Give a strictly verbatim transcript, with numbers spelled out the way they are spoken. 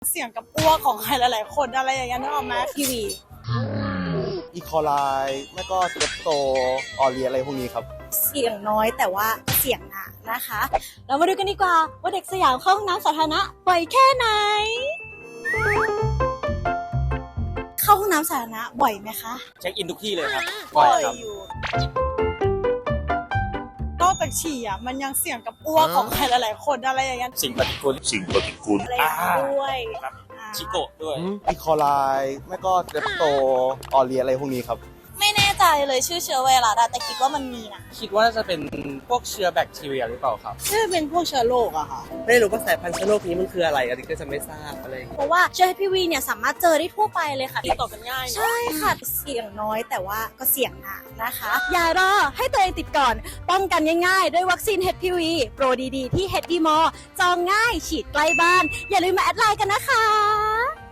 เสียงกับอ้วกของใครหลายๆคนอะไรอย่างเงี้ยนึกออกไหมทีวีอีคอไลไม่ก็เทปโตออเรียอะไรพวกนี้ครับเสียงน้อยแต่ว่าเสียงหนานะคะเรามาดูกันดีกว่าว่าเด็กสยามเข้าห้องน้ำสาธารณะบ่อยแค่ไหนเข้าห้องน้ำสาธารณะบ่อยไหมคะเช็คอินทุกที่เลยครับบ่อยอยู่นอกจากฉี่อ่ะมันยังเสียงกับอ้วกของใครหลายๆคนอะไรอย่างเงี้ยสิ่งปฏิกูลสิ่งปฏิกูลอะไรด้วยชิโกะด้วยอีคอไลไม่ก็เทปโตออเรียอะไรพวกนี้ครับไม่แน่ใจเลยชื่อเชื้อไวรัสแต่คิดว่ามันมีนะคิดว่าจะเป็นพวกเชื้อแบคทีเรียหรือเปล่าครับน่าจะเป็นพวกเชื้อโรคอะค่ะไม่รู้ว่าสายพันธุ์เชื้อโรคนี้มันคืออะไรอันนี้ก็จะไม่ทราบอะไรเพราะว่าเชื้อ เอช พี วี เนี่ยสามารถเจอได้ทั่วไปเลยค่ะติดต่อกันง่ายใช่ค่ะเสี่ยงน้อยแต่ว่าก็เสี่ยงหนักนะคะอย่ารอให้ตัวเองติดก่อนป้องกันง่ายๆด้วยวัคซีน เอช พี วี โปรดีๆที่ เอช ดี มอ จองง่ายฉีดใกล้บ้านอย่าลืมมาแอดไลน์กันนะคะ